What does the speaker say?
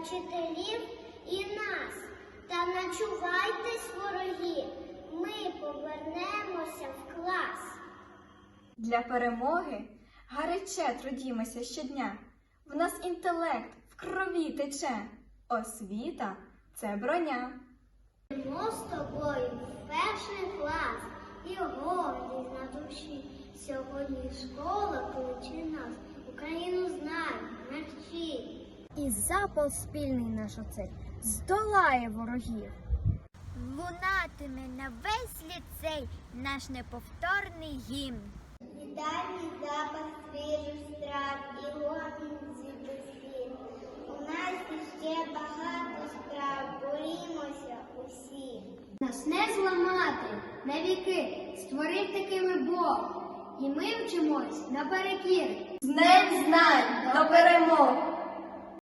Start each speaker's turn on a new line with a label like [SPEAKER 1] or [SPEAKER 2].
[SPEAKER 1] вчителів і нас. Та начувайтесь, вороги, ми повернемося в клас.
[SPEAKER 2] Для перемоги гаряче трудімося щодня. В нас інтелект в крові тече. Освіта – це броня.
[SPEAKER 1] Йдемо з тобою в перший клас і гордість на душі. Сьогодні школа кличе нас, Україну знай, навчи.
[SPEAKER 3] І запал спільний наш оцей здолає ворогів.
[SPEAKER 4] Лунатиме на весь ліцей наш неповторний гімн.
[SPEAKER 1] Вітальний запах свіжих страв і гомін звідусіль. У нас іще багато справ, борімося усі.
[SPEAKER 3] Нас не зламати навіки, створив такими Бог. І ми вчимось наперекір.
[SPEAKER 2] З Днем знань до перемог!